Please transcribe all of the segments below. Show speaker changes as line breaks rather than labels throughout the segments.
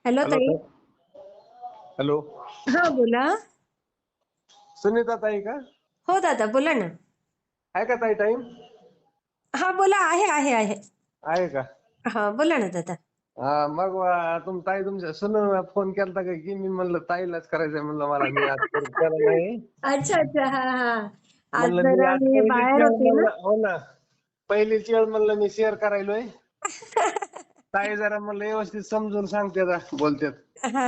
Hello
hello
ताई.
Hello.
हा बोला.
सुनीता ताई का?
हो दादा बोला ना.
आहे का ताई टाइम?
हा बोला, आहे आहे आहे.
आहे का?
हा बोला ना दादा.
हा मग ताई तुमच्या सुनून फोन केलता का की मी म्हणलं ताईलाच करायचंय म्हणलं मला मी आज परत केला नाही.
अच्छा अच्छा, हा हा. आज
म्हणलं मी
जरा
आज
मी
पहिलीच
बाहेर
वेळ
होते ना.
म्हणलं हो ना. पहिलीच वेळ म्हणलं मी शेअर करायलोय. ताई जरा म्हणलं व्यवस्थित समजून सांगते बोलतेत.
हा.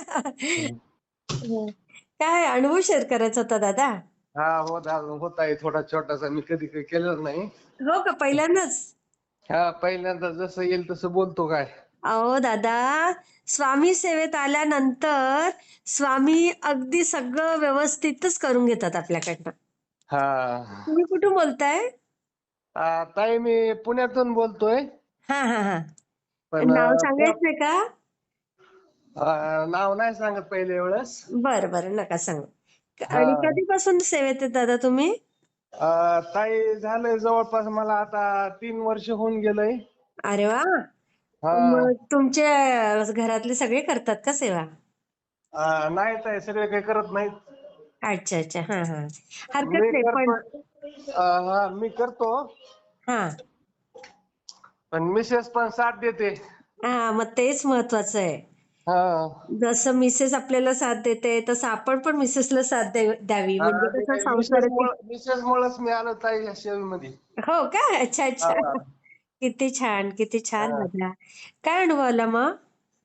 काय अनुभव शेअर करायचा होता दादा?
हा होत आहे थोडा छोटासा मी कधी काही केलेलं नाही.
हो का, पहिल्यांदाच?
हा पहिल्यांदा जसं येईल तसं बोलतो काय.
अहो दादा, स्वामी सेवेत आल्यानंतर स्वामी अगदी सगळं व्यवस्थितच करून घेतात आपल्याकडनं.
हा.
तुम्ही कुठून बोलताय?
ताई मी पुण्यातून बोलतोय.
हा हा हा.
पण
नाव सांगायचंय का?
नाव नाही सांगत पहिले वेळेस.
बरं बरं, नका सांगू.
हा.
आणि कधीपासून सेवेत आहेत दादा तुम्ही?
ताई झालंय जवळपास मला आता 3 वर्ष होऊन गेलंय.
अरे वा.
हा.
मग तुमच्या घरातले सगळे करतात का सेवा?
नाही ताई सगळे काही करत नाहीत.
अच्छा अच्छा, हा हा. हरकत
मी
नाही पण.
करतो. हा मी करतो.
हा
पण मिसेस पण साथ देते.
हा, मग तेच महत्वाचं आहे.
हा.
जसं मिसेस आपल्याला साथ देते तसं आपण पण मिसेसला साथ द्यावी, म्हणजे कसं संसाराची.
मिसेस मुळेच मी आलो ताई या सेवेमध्ये.
हो का, अच्छा अच्छा.
हा.
किती छान किती छान
हा.
दादा. काय अनुभव आला मग?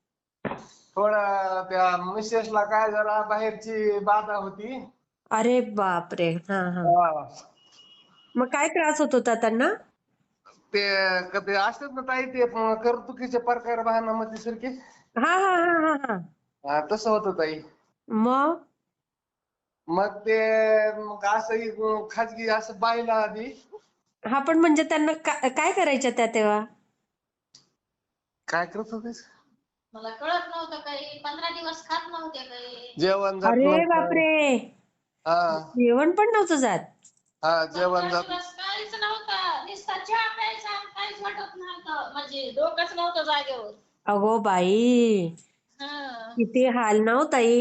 थोडा त्या मिसेसला काय जरा बाहेरची बाधा होती.
अरे बापरे, हा हा.
हा.
मग काय त्रास होत होता त्यांना?
ते कधी असतात ना ताई ते करतुकीचे प्रकार भानामती सारखे.
हा हा हा हा हा.
तसं होतं ताई.
मग?
मग ते मग असं खाजगी असं पाहिलं आधी.
हा पण म्हणजे त्यांना काय करायच्या त्या तेव्हा?
काय करत होतीस?
मला कळत नव्हतं काही, 15 दिवस खात नव्हते काही.
जेवण जात
अरे
नव्हतं.
बापरे,
हा.
जेवण पण नव्हतं जात?
हा जेवण
15
जात.
दिवस काहीच नव्हतं, नुसता चहा प्यायचा आणि काहीच वाटत नव्हतं, म्हणजे डोकंच नव्हतं जागेवर.
अगो बाई,
हं.
किती हाल ना हो ताई.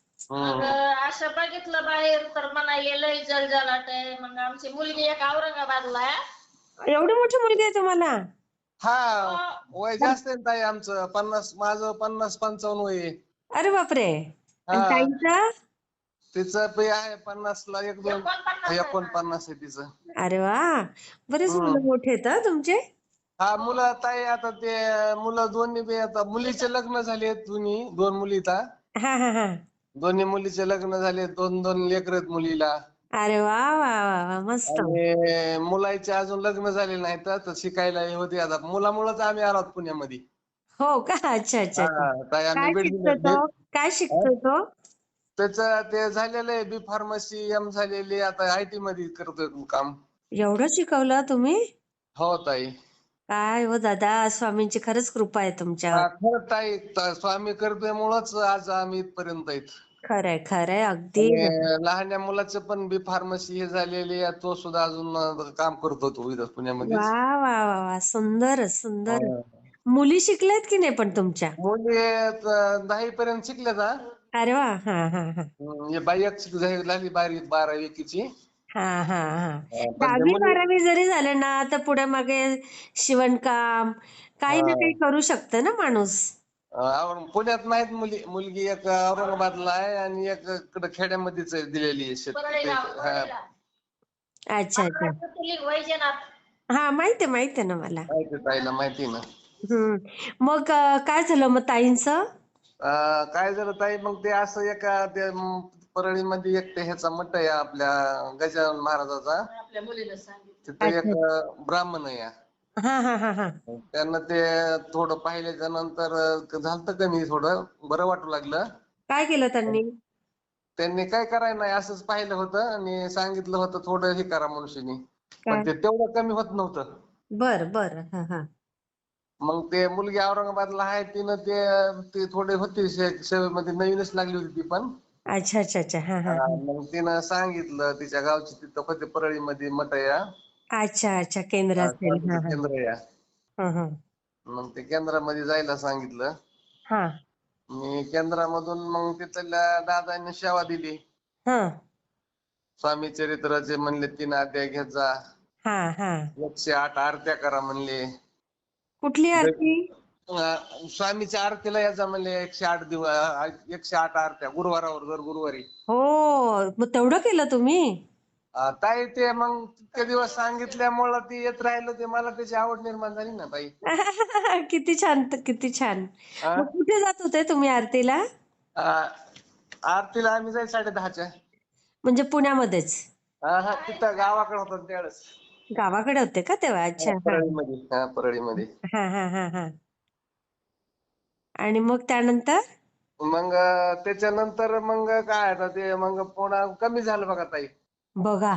मग असं बघितलं बाहेर तर म्हणाले लय जलजलाट आहे. मग आमची मुलगी एक औरंगाबादला आहे.
एवढी मोठी मुलगी आहे तुम्हाला?
हा.
हो.
वय जास्त आहे ताई आमचं 50, माझं 50-55 वय आहे.
अरे बापरे. आणि
हा.
ताईचं?
तिचं बी आहे 50ला 1-2,
49 आहे माझं.
49 आहे तिचं.
अरे वा, बरेच
हम्म.
मुलं मोठे आहेत हा तुमचे.
हा मुलं ताई आता ते मुलं दोन्ही बी आता मुलीचे लग्न झाले दोन्ही 2 मुली इथं.
हा हा हा.
दोन्ही मुलीचे लग्न झाले 2-2 लेकरं आहेत मुलीला.
अरे वा वा वा वा, मस्त.
आणि मुलाचे अजून लग्न झाले नाही तर शिकायला होते आता मुलामुळेच आम्ही आलो पुण्यामध्ये.
हो का, अच्छा अच्छा
हा
अच्छा.
ताई आम्ही
काय
बीड
शिकतो
जिल्ह्यात
तो? काय शिकतो तो?
त्याचं ते झालेलं आहे बी फार्मसी एम झालेली आता आयटी मध्ये करतोय काम.
एवढं शिकवलं तुम्ही?
हो ताई.
काय हो दादा, स्वामींची खरंच कृपा आहे तुमच्यावर.
खरं ताई स्वामी करतेमुळेच आज आम्ही इथपर्यंत आहेत.
खरंय खरंय, अगदी.
आणि लहान्या मुलाचं पण बी फार्मसी हे झालेली आहे तो सुद्धा अजून काम करतो तो इथं
वा
पुण्यामध्येच.
वा वा वा, सुंदर सुंदर.
हा.
मुली शिकल्यात की नाही पण तुमच्या?
मुली 10वी पर्यंत शिकल्यात हा.
अरे वा, हा हा हा.
हे बाई एक झाली 12वी एकीची.
हा हा हा.
पण ते
10वी
मुली
12वी जरी झालं ना तर पुढे मागे शिवणकाम काही ना काही करू शकतं ना माणूस.
पुण्यात नाहीत मुली, मुलगी एक औरंगाबादला आहे आणि एक इकडे खेड्यामध्येच दिलेली आहे शेत.
परळीला.
अच्छा अच्छा.
वैजनाथ.
हा माहिती आहे ना मला.
माहिती ताईला माहिती ना.
मग काय झालं मग ताईंचं?
काय झालं ताई मग ते असं एका ते परळीमध्ये एक ते ह्याचा मठ आहे आपल्या गजानन महाराजाचा.
आपल्या मुलीला सांगितलं.
तिथं एक
अच्छा.
ब्राह्मण आहे.
हा हा हा हा.
त्यांना ते थोडं पाहिल्याच्या नंतर झालतं कमी थोडं बरं वाटू लागलं.
काय केलं त्यांनी?
त्यांनी काय करायला नाही असंच पाहिलं होतं आणि सांगितलं होतं थोडं हे करा मनुष्यनी. पण
काय?
ते तेवढं कमी होत नव्हतं.
बर बर, हा हा.
मग ते मुलगी औरंगाबादला आहे तिनं ते थोडे होते सेवेमध्ये नवीनच लागली होती ती पण.
अच्छा अच्छा अच्छा, हा हा हा.
मग तिनं सांगितलं तिच्या गावची तिथं होते परळीमध्ये मठ आहे.
अच्छा अच्छा, केंद्र असेल.
स्वामीचं
हा हा
केंद्र आहे.
हा हा
मग ते केंद्रामध्ये जायला सांगितलं.
हा.
मी केंद्रामधून मग तिथल्या दादांनी सेवा दिली.
हा
स्वामी चरित्राचे म्हणले 3 अध्याय घेत जा.
हा हा
108 आरत्या करा म्हणले.
कुठली आरती?
स्वामीच्या आरतीला यायचा म्हणले 108 दिवस 108 आरत्या गुरुवारावर दर गुरुवारी.
हो मग तेवढं केलं तुम्ही?
ताई ते मग ते दिवस सांगितल्यामुळं ती येत राहिलं ते मला त्याची आवड निर्माण झाली ना ताई.
किती छान किती छान.
हा?
मग कुठे जात होते तुम्ही आरतीला?
आ- आरतीला आम्ही जाईल 10:30च्या.
म्हणजे पुण्यामध्येच?
हा तिथं गावाकडे होतो त्यावेळेस.
गावाकडे होते का तेव्हा? अच्छा हा
परळीमध्ये.
हा हा हा हा. आणि मग त्यानंतर?
मग त्याच्यानंतर मग काय आता ते मग पुन्हा कमी झालं बघा ताई.
बघा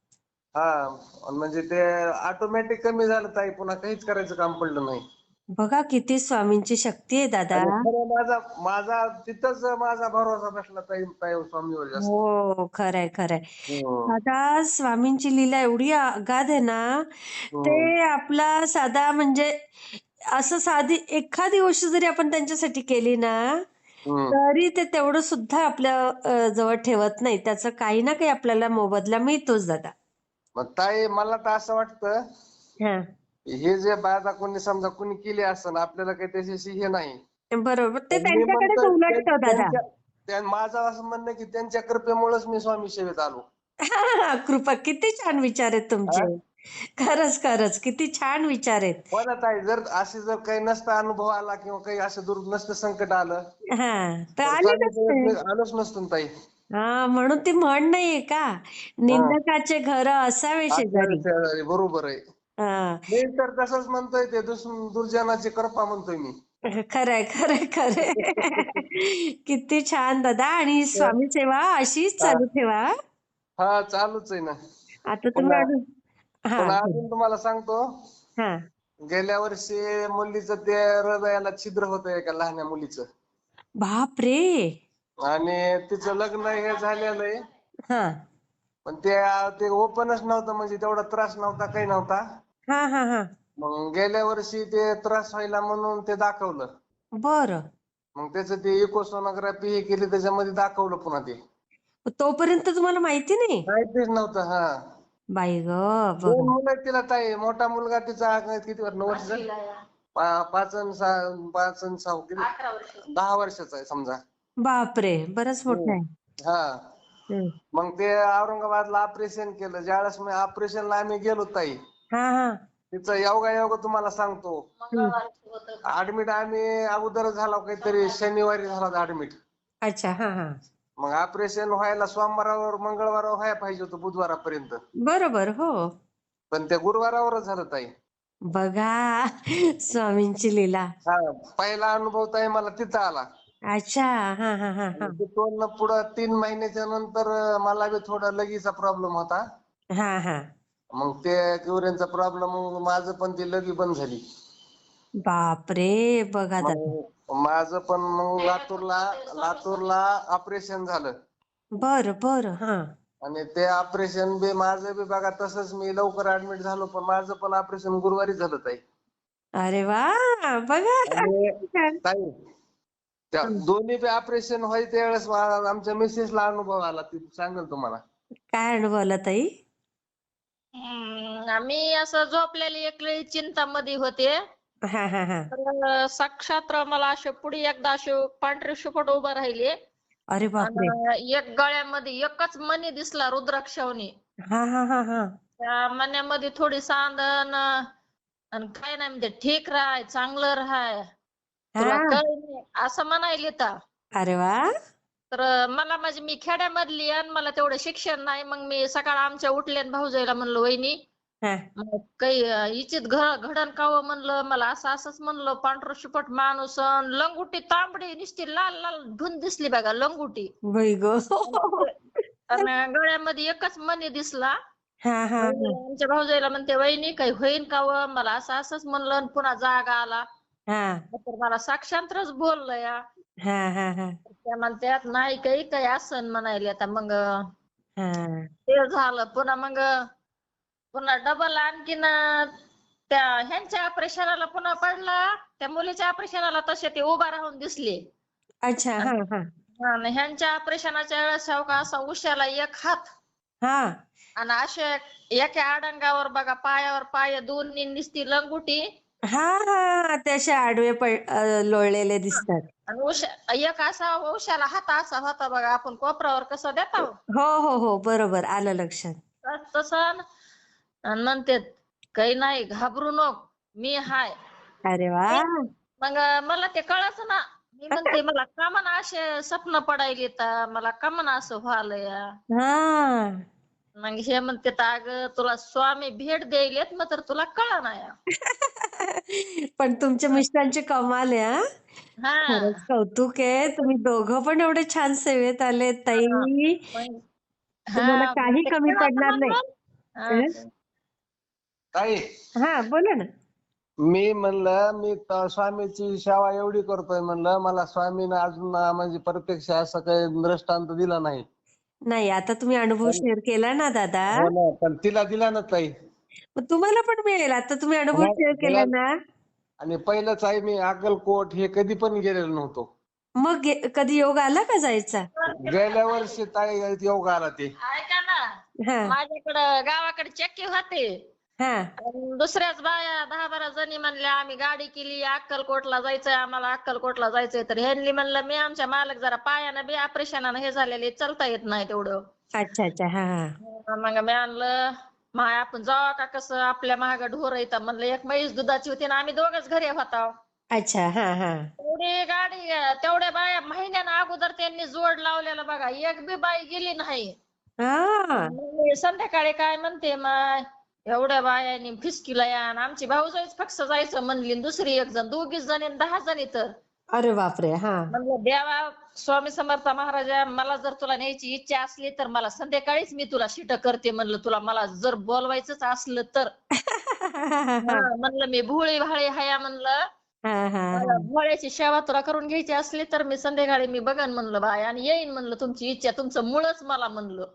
म्हणजे ते ऑटोमॅटिक कमी झालं ताई, पुन्हा काहीच करायचं काम पडलं नाही.
बघा किती स्वामींची शक्ती आहे दादा.
आणि खरं माझा तिथंच माझा भरोसा बसला ताई ताई स्वामीवर जास्त.
हो खरंय खरंय.
हम्म.
दादा स्वामींची लीला एवढी अगाध आहे ना, ते
हम्म.
आपला साधा म्हणजे असं साधी एखादी गोष्ट जरी आपण त्यांच्यासाठी केली ना,
हम्म.
तरी ते तेवढं सुद्धा आपल्या जवळ ठेवत नाही. त्याचं काही ना काही आपल्याला मोबदला मिळतोच दादा.
मग ताई मला तर असं वाटतं
हा
हे जे बाधा कोणी समजा कोणी केली असेल आपल्याला काही त्याच्याशी हे नाही.
बरोबर. ते
पण मी
त्यांच्याकडेच
म्हणतोय
उलटतं दादा.
माझं असं म्हणणं की त्यांच्या कृपेमुळेच मी स्वामी सेवेत आलो.
कृपा. किती छान विचार आहेत
हा?
तुमचे. खरंच खरंच किती छान विचार आहेत.
पण ताई जर काही नसता अनुभव आला किंवा काही असं दूर नसतं संकट आलं
हा तर
तर
आले
स्वामी
नसते.
सेवेत मी आलोच नसतो ना ताई.
हा म्हणून ती म्हण नाहीये का,
हा
निंदकाचे घर असावे शेजारी.
शेजारी बरोबर आहे.
हा
मी तर तसंच म्हणतोय ते दुर्जनाची कृपा म्हणतोय मी.
खरंय खरंय खरंय. किती छान दादा. आणि स्वामी सेवा अशीच
हा
चालू ठेवा.
हा चालूच आहे ना.
आता तुम्ही
पुन्हा
अजून हा
पुन्हा अजून तुम्हाला सांगतो,
हा
गेल्या वर्षी मुलीचं ते हृदयाला छिद्र होतं एका लहान्या मुलीचं.
बाप रे.
आणि तिचं लग्न हे झालेलं आहे.
हा
पण ते ओपनच नव्हतं, म्हणजे तेवढा त्रास नव्हता काही नव्हता.
हा हा हा
मग गेल्या वर्षी ते त्रास व्हायला म्हणून ते दाखवलं.
बरं.
मग त्याचं ते इकोसोनोग्राफी हे केली, त्याच्यामध्ये दाखवलं पुन्हा ते.
तोपर्यंत तुम्हाला माहिती नाही?
माहितीच नव्हतं. हा
बाई ग.
2
बघा.
मुलं आहेत तिला ताई. मोठा मुलगा तिचा किती 9 वर्षाचा? 5 आणि 6 किती 10 वर्षाचा आहे समजा.
बापरे बरंच मोठं
हम्म.
आहे.
हा
हम्म.
मग ते औरंगाबादला ऑपरेशन केलं. ज्यावेळेस मी ऑपरेशनला आम्ही गेलो ताई,
हा हा
तिचं योगायोग तुम्हाला सांगतो.
हम्म.
ऍडमिट आम्ही अगोदर झालो, काहीतरी शनिवारी झाला ऍडमिट.
अच्छा हा हा
मग ऑपरेशन व्हायला सोमवारावर मंगळवारावर व्हायला पाहिजे होतं, बुधवारापर्यंत.
बरोबर हो.
पण ते गुरुवारावरच झालं ताई.
बघा स्वामींची लीला.
हा पहिला अनुभव ताई मला तिथं आला.
अच्छा हा हा हा हा
तिथून पुढं 3 महिन्याच्या नंतर मला बी थोडा लगीचा प्रॉब्लेम होता.
हा हा
मग ते युरिनचा प्रॉब्लेम, मग माझं पण ती लगी बंद झाली.
बापरे. बघा दादा.
मग माझं पण मग लातूरला ऑपरेशन झालं.
बर बर हा
आणि ते ऑपरेशन बी माझं बी बघा तसंच, मी लवकर ऍडमिट झालो, पण माझं पण ऑपरेशन गुरुवारी झालं ताई.
अरे वा. बघा.
आणि
छान.
ताई त्या
हं.
दोन्ही बी ऑपरेशन व्हायच्या त्यावेळेस आमच्या मिसेसला अनुभव आला, ती सांगेल तुम्हाला.
काय अनुभवला ताई?
आम्ही असं झोपलेली एक वेळी चिंतामध्ये होते.
हा हा हा
तर साक्षात मला असे पुढे एकदा असे पांढरे शुपट उभं राहिले.
अरे बापरे.
आणि एक गळ्यामध्ये एकच मणी दिसला रुद्राक्षावनी.
हा हा हा हा
त्या मण्यामध्ये थोडी सांदन आणि काय नाही म्हणते, ठीक राहाय, चांगलं राहाय, तुला
हा
कळ नाही असं म्हणायले तर.
अरे वा.
तर मला म्हणजे मी खेड्यामधली आणि मला तेवढं शिक्षण नाही. मग मी सकाळ आमच्या उठले आणि भाऊजाईला म्हणलं, वहिनी
हा
मग काही इचित घडण कावं म्हणलं, मला असंच म्हणलं, पांढरं शुपट माणूस अन लंगुटी तांबडी नुसती लाल लाल धुन दिसली बघा लंगुटी.
बाई ग.
आणि गळ्यामध्ये एकच मणी दिसला.
हा हा हा
आमच्या भाऊजाईला म्हणते, वहिनी काही होईन का व, मला असंच म्हणलं आणि पुन्हा जाग आला.
हा
तर मला साक्षांतरच बोललं या.
हा हा हा
त्या म्हणतात नाही काही असन म्हणायले. आता मग
हा
ते झालं. पुन्हा डबल आणखीन त्या ह्यांच्या ऑपरेशनाला पुन्हा पडला. त्या मुलीच्या ऑपरेशनाला तसे ते उभा राहून दिसले.
अच्छा. हा हा
आणि ह्यांच्या ऑपरेशनाच्या वेळेस हो का असा उशाला एक हात
हा
आणि असे एका आडंगावर बघा पायावर पाय दोन्ही निसती लंगुटी
हा हा ते असे आडवे लोळलेले दिसतात.
आणि एक असा उशाला हात असा होता बघा आपण कोपरावर कसं देता हो.
हो हो हो बरोबर आलं लक्षात.
तसं आणि म्हणते काही नाही घाबरू नको मी हाय.
अरे वा.
मग मला ते कळच ना. मी म्हणते मला का म्हणा असे स्वप्न पडायले तर मला का म्हणा असं व्हायलंय.
हा
मग हे म्हणते अगं तुला स्वामी भेट द्यायलेत मग तर तुला कळा नाही.
पण तुमच्या मिस्टरांचे कमाल आहे हा. खरंच
हा
कौतुक आहे. तुम्ही दोघं पण एवढे छान सेवेत आले
हा
ताई.
मग
तुम्हाला
हा मग
काही
ते
कमी
कळत
पडणार नाही.
म्हणलं.
अं?
हा.
ताई
हा बोला ना.
मी म्हणलं मी स्वामीची सेवा एवढी करतोय म्हणलं मला स्वामीनं अजून म्हणजे प्रत्यक्ष असं काही दृष्टांत दिला नाही.
नाही आता तुम्ही अनुभव
पण
शेअर केला ना दादा.
हो ना पण तिला दिला ना ताई.
मग तुम्हाला पण मिळेल. आता तुम्ही अनुभव
नाही,
शेअर केला
मला
ना.
आणि पहिलंच आहे मी अक्कलकोट हे कधी पण गेलेलो नव्हतो.
मग कधी योग आला का जायचा?
गेल्या वर्षी ताई योग आला ते.
ऐका ना
हा
माझ्याकडं गावाकडे चक्की होते.
हा
आणि दुसऱ्याच बाया 10-12 जणी म्हणल्या आम्ही गाडी केली अक्कलकोटला जायचंय आम्हाला अक्कलकोटला जायचंय तर ह्यांनी म्हणलं मी आमच्या मालक जरा पायानं बी ऑपरेशनानं हे झालेले चालता येत नाही तेवढं.
अच्छा अच्छा हा हा
मग मी आणलं माय आपण जावा का कसं आपल्या महाग ढोर येतात म्हणलं एक म्हैस दुधाची होती ना आम्ही दोघच घरी होतो.
अच्छा हा हा
तेवढी गाडी तेवढ्या बाया महिन्यानं अगोदर त्यांनी जोड लावलेला बघा एक बी बाई गेली नाही.
हा
मग संध्याकाळी काय म्हणते माय एवढ्या बायांनी फिसकीला या आणि आमची भाऊजाईच फक्त जायचं म्हणली आणि दुसरी एक जण दोघीच जणी 10 जणी तर
अरे बापरे हा
म्हणलं देवा स्वामी समर्थ महाराजा मला जर तुला न्यायची इच्छा असली तर मला संध्याकाळीच मी तुला शिट करते म्हणलं तुला मला जर बोलवायचंच असलं तर म्हणलं मी भोळी भाळी हाया म्हणलं
हा हा
मला भोळ्याची सेवा तुला करून घ्यायची असली तर मी संध्याकाळी मी बघन म्हणलं बाय आणि येईन म्हणलं तुमची इच्छा तुमचं मुळच मला म्हणलं.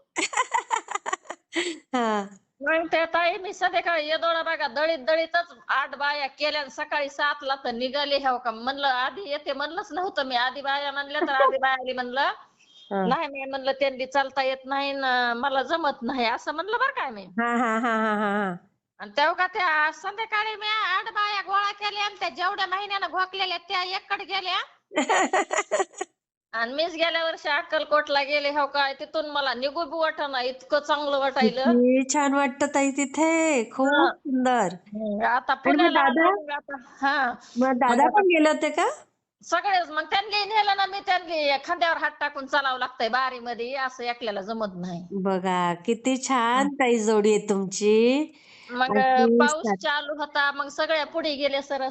हा
मग त्या ताई मी संध्याकाळी येदोडा बघा दळीत दळीतच 8 बाया केल्या सकाळी 7ला तर निघाले ह्याव का म्हणलं आधी येते म्हणलंच नव्हतं मी आधी बाया म्हणल्या तर आधी बायाली म्हणलं
हा
नाही मी म्हणलं त्यांनी चालता येत नाही मला जमत नाही असं म्हणलं बरं काय मी
हा हा हा हा हा
आणि तेव्हा का त्या संध्याकाळी मी 8 बाया गोळा केल्या आणि त्या जेवढ्या महिन्यानं घोकलेल्या त्या एककडे गेल्या आणि मीच गेल्या वर्षी अक्कलकोटला गेले हो काय तिथून मला निघू बी वाटेना इतकं चांगलं वाटायलं.
किती छान वाटतं ताई तिथे.
हा.
खूप सुंदर.
आता
आणि मग
पुण्याला
दादा
आलो मग आता हा
मग
मग
दादा
आता
पण गेले होते का?
सगळेच मग त्यांनी नेलं ना मी त्यांनी खांद्यावर हात टाकून चालावं लागतंय बारीमध्ये असं एकल्याला जमत नाही.
बघा किती छान ताई जोडी आहे तुमची.
मग
अशी
पाऊस चालू होता मग सगळ्या पुढे गेले सर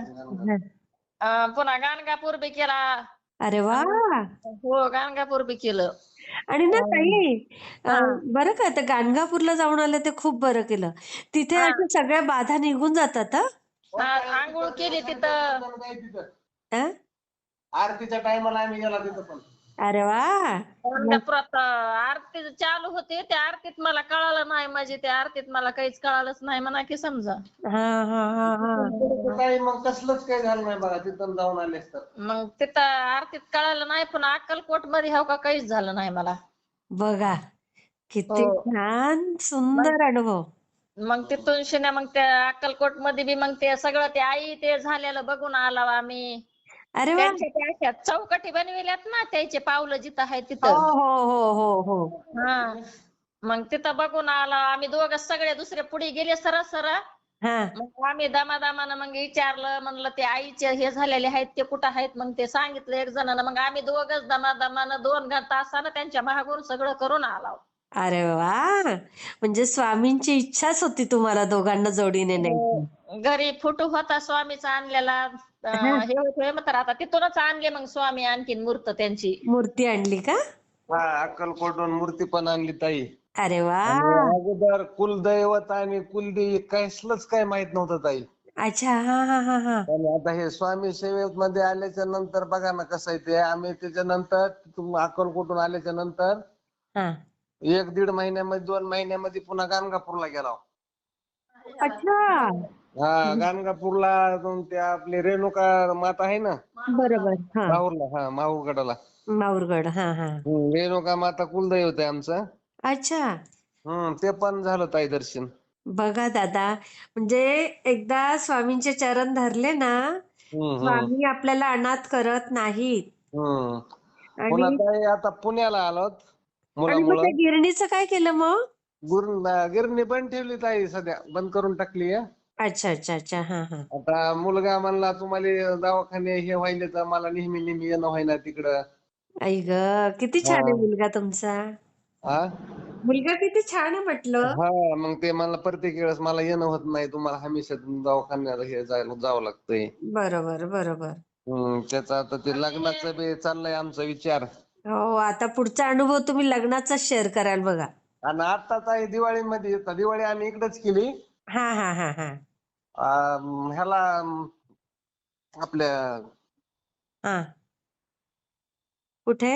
पुन्हा गाणगापूर बी केला.
अरे वा.
हो गाणगापूर बी केलं.
आणि ना ताई
हा
बरं का आता गाणगापूरला जाऊन आलं ते खूप बरं केलं. तिथे
हा
अशा सगळ्या बाधा निघून जातात
हा आंघोळ केली तिथं.
हं?
आरतीच्या टायमाला आम्ही गेला तिथं पण.
अरे वा.
गाणगापुरात आरती चालू होती त्या आरतीत मला कळालं नाही म्हणजे त्या आरतीत मला काहीच कळालंच नाही म्हणा की समजा.
हा हा हा हा
काही मग कसलंच काही झालं नाही बघा तिथं जाऊन आलेस तर.
मग तिथं आरतीत कळालं नाही पण अक्कलकोट मध्ये हो का काहीच झालं नाही मला.
बघा
हो
किती छान
मग
सुंदर अनुभव.
मग तिथून शिने मग त्या अक्कलकोट मध्ये बी मग ते सगळं ते आई ते झालेलं बघून आलो आम्ही.
अरे वा.
त्यांच्या त्या अशा चौकटी बनविल्यात ना त्याचे पावलं जिथं आहे
हो
तिथं.
हो हो हो हो
हा मग तिथं बघून आलो आम्ही दोघं सगळे दुसरे पुढे गेले सरळ
हा
मग आम्ही दमादमानं मग विचारलं म्हणलं ते आईचे हे झालेले आहेत ते कुठं आहेत मग ते सांगितलं एक जणांना मग आम्ही दोघंच दमादमानं 2 तासानं त्यांच्या मागून सगळं करून आलो.
अरे वा. म्हणजे स्वामींची इच्छाच होती तुम्हाला दोघांना जोडीने न्यायची.
घरी फोटो होता स्वामीचा आणलेला
हा,
हे होतोय मग तर आता तिथूनच आणले मग स्वामी आणखीन मूर्त त्यांची.
मूर्ती आणली का?
हा अक्कलकोटहून मूर्ती पण आणली ताई.
अरे वा.
आणि अगोदर कुलदैवत आणि कुलदेवी कसलंच काय माहित नव्हतं ताई.
अच्छा हा हा हा हा
आणि आता हे स्वामी सेवेमध्ये आल्याच्या नंतर बघा ना कसं आहे ते आम्ही त्याच्यानंतर अक्कलकोटहून आल्याच्या नंतर
हा
1-1.5 महिन्यामध्ये 2 महिन्यामध्ये पुन्हा गाणगापूरला गेलो.
अच्छा
हा गाणगापूरला जाऊन त्या आपली रेणुका माता आहे ना
बरोबर. हा.
माहूरला, हा माहूरगडाला.
माहूरगड. हा हा.
रेणुका माता कुलदैवत आहे आमचं.
अच्छा.
ते पण झालं ताई दर्शन.
बघा दादा, म्हणजे एकदा स्वामींचे चरण धरले ना,
हम्म हम्म
स्वामी आपल्याला अनाथ करत नाहीत.
हम्म पुन्हा
आणि
ताई आता पुण्याला आलोत
आणि मग त्या
मुलामुळं.
गिरणीचं काय केलं मग?
गिरणी बंद ठेवली ताई, सध्या बंद करून टाकली आहे.
अच्छा अच्छा अच्छा. हा हा.
आता मुलगा म्हणला तुम्हाला दवाखाने हे व्हायले तर मला नेहमी नेहमी येणं व्हायना तिकडं.
आई ग, किती छान आहे मुलगा तुमचा.
हा
मुलगा किती छान आहे म्हटलं.
हा मग ते मला प्रत्येक वेळेस मला येणं होत नाही, तुम्हाला हमेशा दवाखान्याला हे जावं लागतंय.
बरोबर बरोबर.
त्याचा आता ते लग्नाचं बी चाललंय आमचा विचार.
हो, आता पुढचा अनुभव तुम्ही लग्नाचा शेअर कराल बघा.
आणि आत्ताच आहे दिवाळीमध्ये, दिवाळी आम्ही इकडेच केली.
हा हा हा हा.
ह्याला आपल्या
हा. कुठे?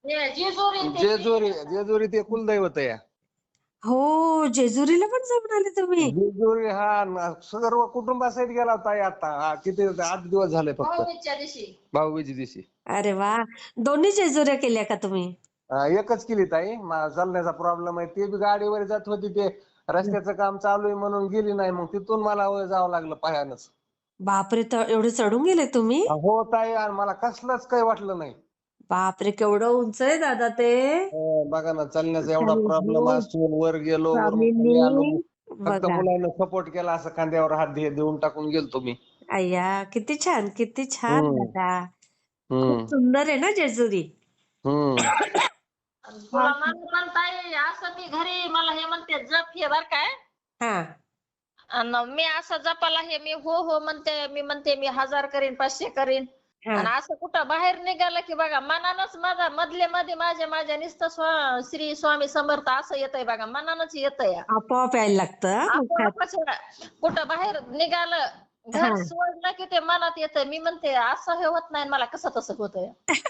जेजुरी ते कुलदैवत आहे.
हो, जेजुरीला पण जाऊन आले तुम्ही?
जेजुरी सर्व कुटुंबासहित गेला होता आता. किती 8 दिवस झाले फक्त. भाऊबीजे दिवशी.
अरे वा, दोन्ही जेजुऱ्या केल्या का तुम्ही?
एकच केली ताई. चालण्याचा प्रॉब्लेम आहे. ते बी गाडीवर जात होती, ते रस्त्याचं काम चालू आहे म्हणून गेली नाही. मग तिथून मला जावं लागलं पायानंच.
बापरे, एवढे चढून गेले तुम्ही?
हो ताई, आणि मला कसलंच काही वाटलं नाही.
बापरे, केवढं उंच आहे दादा ते.
बघा ना, चालण्याचा एवढा प्रॉब्लेम असून वर गेलो, वरून खाली आलो.
स्वामींनी
फक्त
बघा.
मुलानं सपोर्ट केला, असं खांद्यावर हात देऊन टाकून गेलतो मी.
अय्या, किती छान किती छान
हम्म
दादा. खूप
हम्म
सुंदर आहे ना जेजुरी.
हम्म
तुला म्हणून ताई असं मी घरी मला हे म्हणते जप हे बर काय.
हा.
आणि मी असं जपाला हे मी हो म्हणते, मी म्हणते मी 1000 करीन 500 करीन.
हा.
आणि असं कुठं बाहेर निघालं की बघा मनानच माझा मधले मध्ये माझ्या नुसतं श्री स्वामी समर्थ असं येतंय बघा, मनानच येतंय.
आपोआप यायला लागतं हा, मुखात.
आपोआपच कुठं बाहेर निघालं घर
हा.
सोडलं की ते मनात येतंय. मी म्हणते असं हे होत नाही, मला कसं तसं होतंय.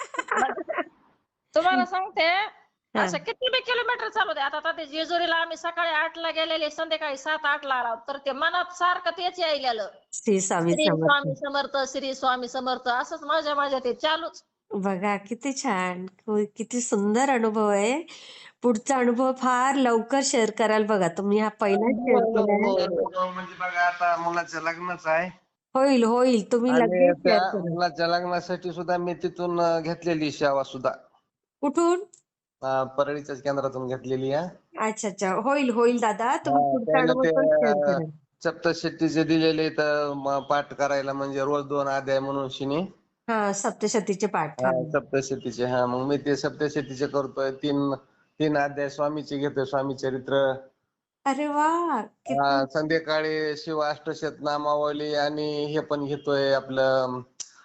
तुम्हाला सांगते
हा.
असं किती बी किलोमीटर चालू दे. आता ते जेजुरीला आम्ही सकाळी 8ला गेलेले, संध्याकाळी 7-8ला आलो, तर ते मनात सारखं तेच यायलेलं.
श्री स्वामी
श्री
समर्थ.
स्वामी समर्थ, श्री स्वामी समर्थ असंच माझ्या ते चालूच.
बघा किती छान, किती सुंदर अनुभव आहे. पुढचा अनुभव फार लवकर शेअर कराल बघा तुम्ही. हा पहिला शेअर केलाय.
म्हणजे बघा आता मुलाचं लग्नच आहे.
होईल होईल, तुम्ही
आणि
लगेच
त्या
शेअर करा.
मुलाच्या लग्नासाठी सुद्धा मी तिथून घेतलेली सेवा सुद्धा.
कुठून?
परळीच्याच केंद्रातून घेतलेली आहे.
अच्छा अच्छा, होईल होईल दादा, तुम्ही पुढचा
त्याला
अनुभव
ते
पण शेअर करा.
सप्तशतीचे दिलेले तर पाठ करायला, म्हणजे रोज 2 अध्याय म्हणून शिनी.
हा, सप्तशतीचे पाठ. हा.
सप्तशतीचे. मग मी ते सप्तशतीचे करतोय. 3 अध्याय स्वामीचे घेतोय, स्वामी चरित्र.
अरे वा, किती.
संध्याकाळी शिव अष्टशत नामावली आणि हे पण घेतोय आपलं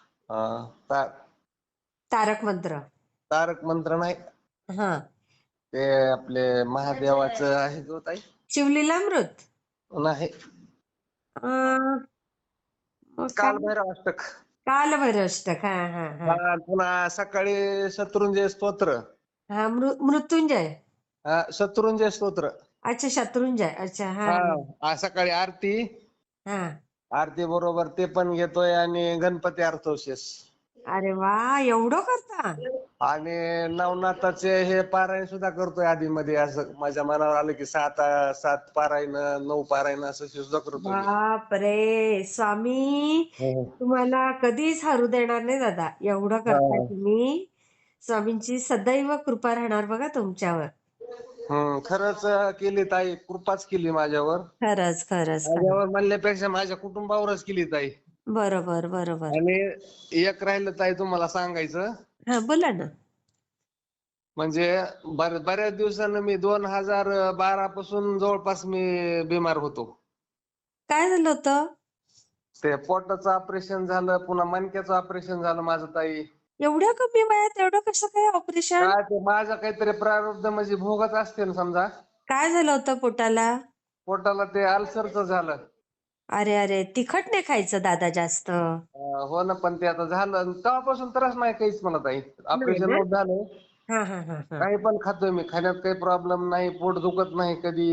तारक मंत्र.
तारक मंत्र नाही,
हा.
ते आपले महादेवाचं आहे जो ताई.
शिवलीलामृत.
नाही,
अं, मग काय?
कालभैरव अष्टक.
कालभैरवाष्टक. हा हा हा.
पुन्हा सकाळी शत्रुंजय स्तोत्र.
हा, मृत्युंजय.
शत्रुंजय स्तोत्र.
अच्छा, शत्रुंजय. अच्छा. हा
सकाळी आरती.
हा.
आरती बरोबर ते पण घेतोय, आणि गणपती अर्थवशेष.
अरे वा, एवढं करता.
आणि नवनाथाचे हे पारायण सुद्धा करतोय आधी मध्ये. असं माझ्या मनावर आलं की 7 पारायण 9 पारायण असं सुद्धा करतोय मी.
बाप रे, स्वामी तुम्हाला कधीच हरू देणार नाही दादा. एवढं करताय तुम्ही. स्वामींची सदैव कृपा राहणार बघा तुमच्यावर.
खरंच केली ताई, कृपाच केली माझ्यावर.
खरंच खरंच खरंच.
माझ्यावर म्हणल्यापेक्षा माझ्या कुटुंबावरच केली ताई.
बरोबर बरोबर.
आणि एक राहिलं ताई तुम्हाला सांगायचं.
हा, बोला ना.
म्हणजे बऱ्याच दिवसानं मी 2012 पासून जवळपास मी बिमार होतो.
काय झालं होतं?
ते पोटाचं ऑपरेशन झालं, पुन्हा मणक्याचं ऑपरेशन झालं माझं ताई.
एवढ्या कमी वयात एवढं कसं काय ऑपरेशन?
काय ते माझं काहीतरी प्रारब्ध म्हणजे भोगच असते ना समजा.
काय झालं होतं पोटाला?
पोटाला ते अल्सरचं झालं.
अरे अरे, तिखट नाही खायचं दादा जास्त.
हो ना, पण ते आता झालं तेव्हापासून त्रास नाही काहीच मला ताई. ऑपरेशन
ना?
झालं.
हा हा हा हा.
काही पण खातोय मी, खाण्यात काही प्रॉब्लेम नाही, पोट दुखत नाही कधी.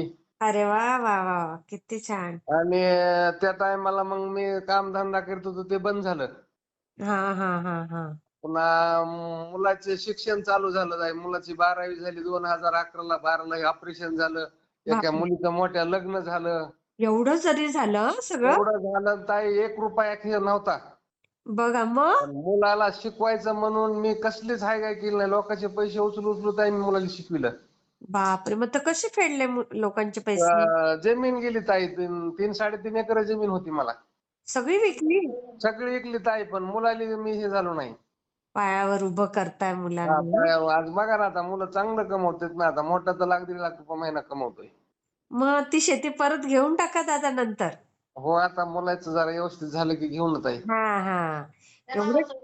अरे वा वा वा वा, किती छान.
आणि त्या टायमाला मग मी कामधंदा करत होतो ते बंद झालं.
हा हा हा हा.
पुन्हा मुलाचे शिक्षण चालू झालं जाय. मुलाची 12वी झाली 2011ला. 12ला ऑपरेशन झालं. एका
बापरे,
मुलीचं मोठ्या लग्न झालं.
एवढं जरी झालं सगळं?
एवढं झालं ताई 1 रुपया खेळ नव्हता.
बघा मग.
पण मुलाला शिकवायचं म्हणून मी कसलीच हायगाय केली नाही. लोकांचे पैसे उचलून ताई मी मुलाला शिकविलं.
बापरे, मग तर कसे फेडले लोकांचे पैसे?
जमीन गेली ताई. 3-3.5 एकर जमीन होती मला.
सगळी विकली?
सगळी विकली ताई, पण मुलाला मी हे झालो नाही.
पायावर उभं करताय मुलांना.
पायावर. आज बघा ना, आता मुलं चांगलं कमवतात ना. आता मोठा तर 1,00,000-1.5 लाख रुपये महिना कमवतोय.
मग ती शेती परत घेऊन टाका दादा नंतर.
हो, आता मुलाचं जरा व्यवस्थित झालं की घेऊन ताई.
हा हा. एवढं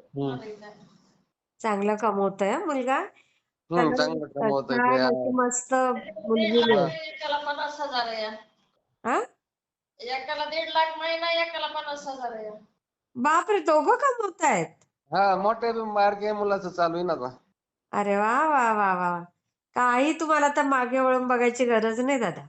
चांगलं कमवतोय हं मुलगा. त्याला
चांगलं कमवतोय ते.
छान अशी मस्त मुलगी मिळेल.
एकाला 50,000 आहे.
हा?
एकाला 1.5 लाख महिना, एकाला 50,000 आहे.
बापरे, दोघं कमवतायत?
मोठ्या बारक्या मुलाचं चालू आहे ना आता.
अरे वा वा वा वा. काही तुम्हाला तर मागे वळून बघायची गरज नाही दादा.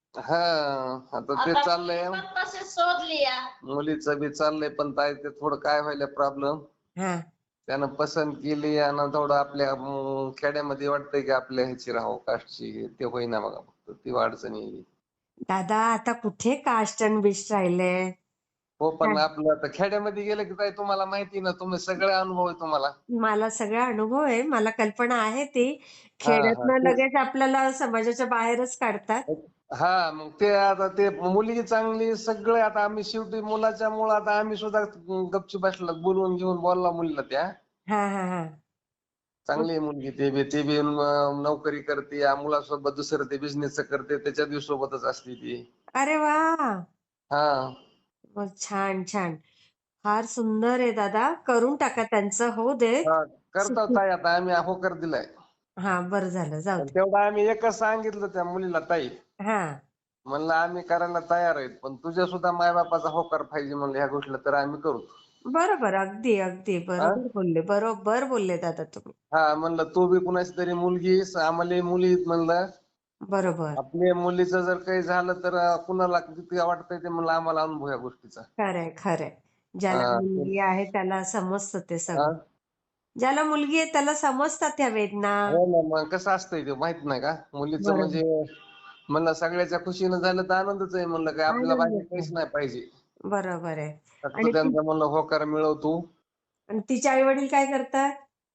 आता ते चाललंय.
आता पण तशीच शोधली या.
मुलीचं बी चाललंय, पण ताई ते थोडं काय व्हायला प्रॉब्लेम.
हा.
त्यानं पसंत केली आणि थोडं आपल्या खेड्यामध्ये वाटतंय की आपल्या ह्याची राहावं, कास्टची. ते होईना बघा, फक्त ती अडचण येईल.
दादा आता कुठे कास्ट आणि बिस्ट राहिले?
हो, पण आपलं आता खेड्यामध्ये गेलं की ताई तुम्हाला माहिती ना, तुम्ही सगळे अनुभव आहे तुम्हाला.
मला सगळा अनुभव आहे, मला कल्पना आहे ती.
हा.
खेड्यातनं लगेच आपल्याला समाजाच्या बाहेरच काढतात.
मग ते आता ते मुलगी चांगली सगळे. आता आम्ही शेवटी मुलाच्या मुळे आता आम्ही सुद्धा गपचूप बसलो, बोलवून घेऊन बोलला मुलीला त्या.
हा हा हा.
चांगली आहे मुलगी. ते बी नोकरी करते. या मुलासोबत दुसरं ते बिझनेस करते, त्याच्या बी सोबतच असते ती.
अरे वा.
हा.
मग छान छान. फार सुंदर आहे दादा. करून टाका त्यांचं, होऊ दे.
करतो ताई आता आम्ही होकार दिलाय.
हा, बरं झालं, जाऊ
पण
दे.
तेवढं आम्ही एकच सांगितलं त्या मुलीला, ताई
हा.
म्हणलं आम्ही करायला तयार आहेत, पण तुझ्या सुद्धा मायबापाचा होकार पाहिजे म्हणलं ह्या गोष्टीला, तर आम्ही करू.
बरोबर, अगदी अगदी बरोबर बोलले, बरोबर बोलले दादा तुम्ही.
म्हणलं तू बी कुणाची तरी मुलगी, आम्हाला मुली आहेत म्हणलं.
बरोबर.
आपल्या मुलीचं जर काही झालं तर कुणाला किती वाटतंय ते म्हणलं आम्हाला अनुभव या गोष्टीचा.
खरंय खरंय. ज्याला मुलगी आहे त्याला समजतं ते सगळं. ज्याला मुलगी आहे त्याला समजतात त्या वेदना.
हो ना, मग कसं असतंय ते माहित नाही का? मुलीचं म्हणजे म्हणलं सगळ्याच्या खुशीनं झालं तर आनंदच आहे म्हणलं, काय आपल्याला बाकी काहीच नाही पाहिजे.
बरोबर आहे.
फक्त त्यांचा म्हणलं होकार मिळवतो.
आणि तिचे आई वडील काय करतात?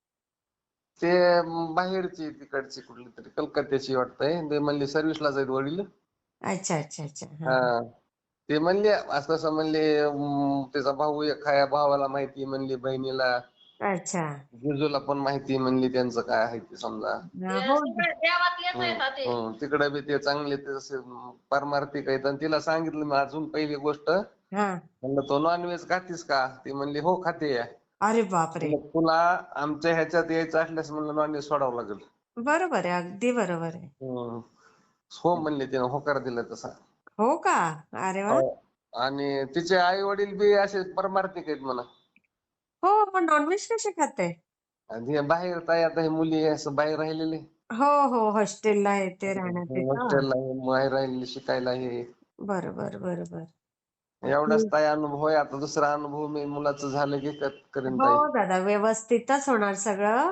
ते बाहेरची, तिकडची कुठली तरी कलकत्त्याची वाटतंय. ते म्हणले सर्व्हिसला जाईल वडील.
अच्छा अच्छा अच्छा.
ते म्हणले असं तसं म्हणले. त्याचा भाऊ एक आहे, भावाला माहिती म्हणली, बहिणीला,
अच्छा.
जिजूला पण माहिती म्हणली त्यांचं काय आहे ते समजा.
हो.
देवातलेच आहेत ना ते.
तिकडे बी ते चांगले ते असे पारमार्थिक आहेत. आणि तिला सांगितलं मी अजून पहिली गोष्ट, म्हणलं तो नॉनव्हेज खातीस का? ती म्हणली हो खाते.
अरे बापरे.
तुला आमच्या ह्याच्यात यायचं असल्यास म्हणलं नॉनव्हेज सोडावं लागेल.
बरोबर आहे, अगदी बरोबर आहे.
हो म्हणले, तिने होकार दिला तसा.
हो का? अरे वा.
आणि तिचे आई वडील बी असे परमार्थिक आहेत म्हणा.
हो, पण नॉनव्हेज कसे खाते?
आणि बाहेर ताई आता हे मुली असं बाहेर राहिलेले.
हो हो, हॉस्टेलला आहे ते राहण्यात.
हॉस्टेलला बाहेर राहिलेले शिकायला हे.
बरोबर बरोबर.
एवढाच ताई अनुभव आहे. आता दुसरा अनुभव मी मुलाचं झालं की करेन ताई.
हो दादा, व्यवस्थितच होणार सगळं.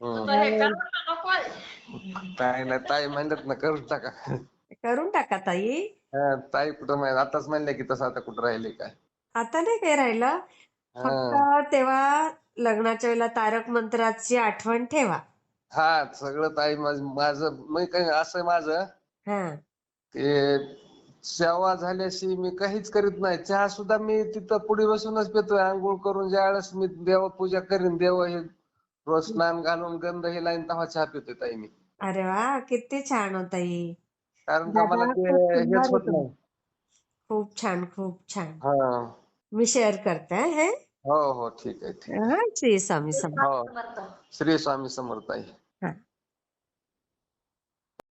काय नाही ताई म्हणतात ना, करून टाका.
करून टाका ताई.
ताई कुठं माहिती, आताच म्हणले की तसं आता कुठं राहिले काय.
आता नाही काही राहिलं. फक्त तेव्हा लग्नाच्या वेळेला तारक मंत्राची आठवण ठेवा.
सगळं ताई माझं मी काही असं माझं ते सेवा झाल्याशी मी काहीच करीत नाही. चहा सुद्धा मी तिथं पुढे बसूनच पितोय. आंघोळ करून ज्यावेळेस मी देवपूजा करीन, देव हे रोज स्नान घालून गंध हे लाईन तेव्हा चहा पितोय ताई मी.
अरे वा, किती छान हो ताई.
कारण का मला ते हेच होत नाही.
खूप छान खूप छान.
हा.
मी शेअर करते हे.
हो हो, ठीक आहे ठीक आहे.
श्री स्वामी समर्थ.
श्री स्वामी समर्थ ताई.